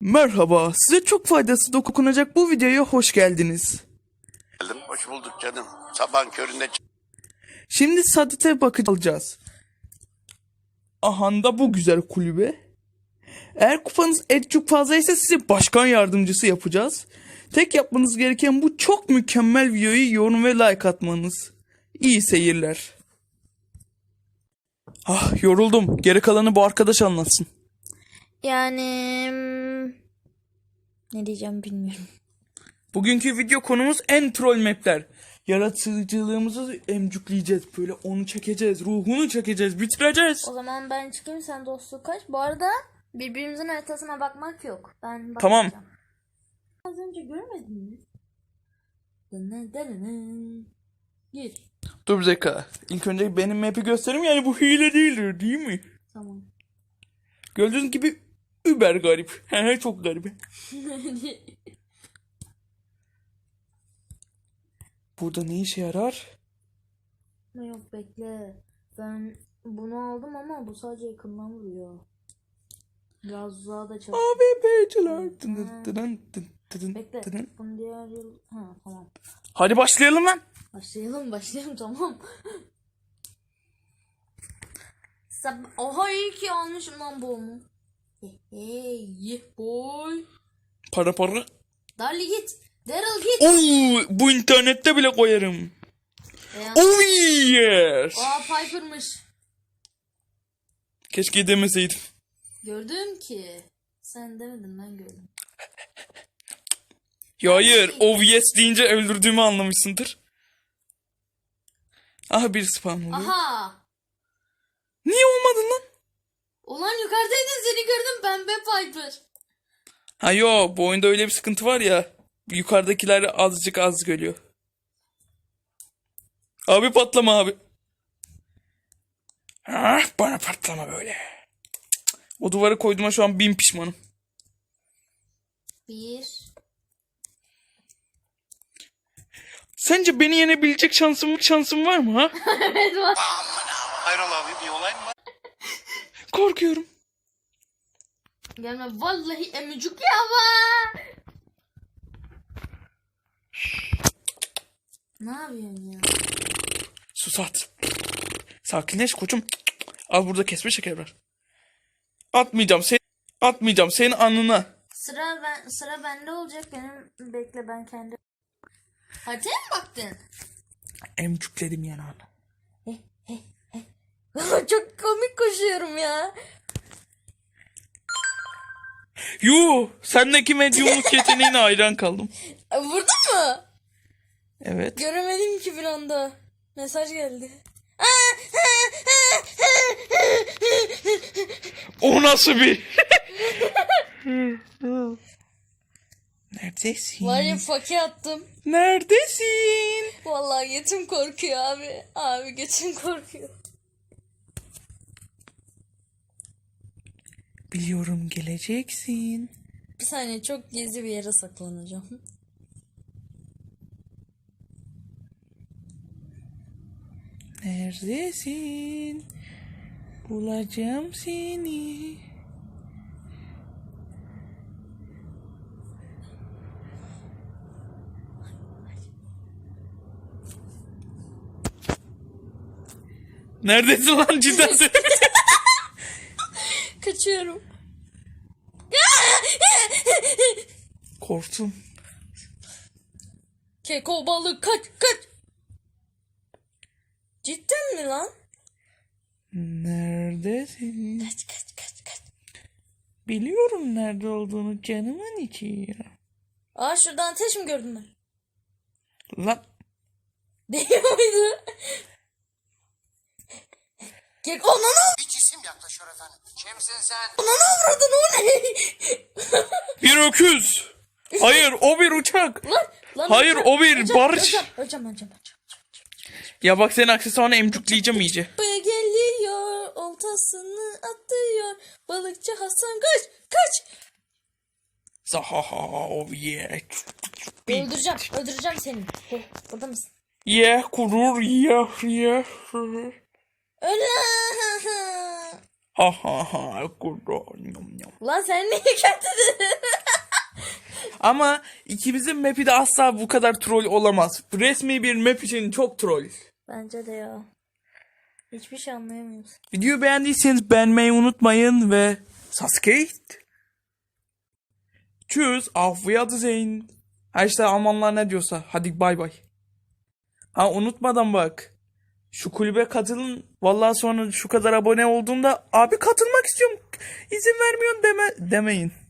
Merhaba, size çok faydası dokunacak bu videoya hoş geldiniz. Hoş bulduk canım. Sabahın köründe Şimdi Sadit'e bakacağız. Ahanda bu güzel kulübe. Eğer kupanız çok fazlaysa size başkan yardımcısı yapacağız. Tek yapmanız gereken bu çok mükemmel videoyu yorum ve like atmanız. İyi seyirler. Ah, yoruldum. Geri kalanı bu arkadaş anlatsın. Yani ne diyeceğim bilmiyorum. Bugünkü video konumuz en troll mapler. Yaratıcılığımızı emcükleyeceğiz. Böyle onu çekeceğiz. Ruhunu çekeceğiz. Bitireceğiz. O zaman ben çıkayım, sen dostluk kaç. Bu arada birbirimizin haritasına bakmak yok. Ben Tamam. bakacağım. Az önce görmedin mi? Gir. Dur bir dakika. İlk önce benim map'i göstereyim, yani bu hile değildir değil mi? Tamam. Gördüğünüz gibi über garip. Çok garip. Burada ne işe yarar? Yok bekle. Ben bunu aldım ama bu sadece yakından vuruyor. Biraz uzağa da çalışıyor. AWP'ciler. Bekle. Bunu diğer yıl... Ha tamam. Hadi başlayalım lan. Başlayalım tamam. Oha iyi ki almışım lan boğumu. Hey boy. Para. Darli git. Daryl git. Oo, bu internette bile koyarım. Oh yes. Aa Piper'mış. Keşke demeseydim. Gördüm ki. Sen demedin, ben gördüm. Ya hayır. Oh yes deyince öldürdüğümü anlamışsındır. Aha bir spam oluyor. Aha. Niye olmadın lan? Ulan yukarıdaydın, seni gördüm, pembe Piper. Ha yo, bu oyunda öyle bir sıkıntı var ya. Yukarıdakiler azıcık az görüyor. Abi patlama abi. Ah, bana patlama böyle. O duvarı koyduğuma şu an 1000 pişmanım. Bir. Sence beni yenebilecek şansım var mı ha? Evet var. hayrola abi, bir olay mı var? Korkuyorum. Gelme vallahi emicik ya var. Ne yapıyorsun ya? Sus at. Sakinleş koçum. Al burada kesme şeker var. Atmayacağım senin alnına. Sıra bende olacak benim. Bekle, ben kendi. Hadi mi baktın? Emcükledim yanağını. Çok komik koşuyorum ya. Yuh, sendeki medyumluk yeteneğine hayran kaldım. Vurdun mu? Evet. Göremedim ki bir anda. Mesaj geldi. O nasıl bir? Neredesin? Var ya, fakir attım. Neredesin? Vallahi götüm korkuyor abi. Abi götüm korkuyor. Biliyorum geleceksin. Bir saniye, çok gizli bir yere saklanacağım. Neredesin? Bulacağım seni. Neredesin lan, cidden sen? Kaçıyorum. Korktum. Keko balık kaç. Cidden mi lan? Neredesin? Kaç. Biliyorum nerede olduğunu canımın içi ya. Aa, şuradan ateş mi gördün ben? Lan Değil miydi? Keko ananı. Bir cisim yaklaşıyor efendim. Kimsin sen? Ananı avradın, o ne? bir öküz. Hayır, o bir uçak. Lan Hayır, o bir barış. Öleceğim. Ya bak, senin aksesuarını emcükleyeceğim iyice. Buraya geliyor, oltasını atıyor. Balıkçı Hasan kaç. Zahaha, oh yeah. Öldüreceğim seni. Burada mısın? Yeah, kurur, yeah. Öyle. Ha kurur. Yum. Lan sen niye kötü dedin? Ama ikimizin map'i de asla bu kadar troll olamaz. Resmi bir map için çok troll. Bence de ya. Hiçbir şey anlayamıyoruz. Videoyu beğendiyseniz beğenmeyi unutmayın ve Sasuke. Tschüss, auf Wiedersehen. Ha işte Almanlar ne diyorsa. Hadi bay bay. Ha unutmadan bak. Şu kulübe katılın. Vallahi sonra şu kadar abone olduğumda abi katılmak istiyorum. İzin vermiyorsun demeyin.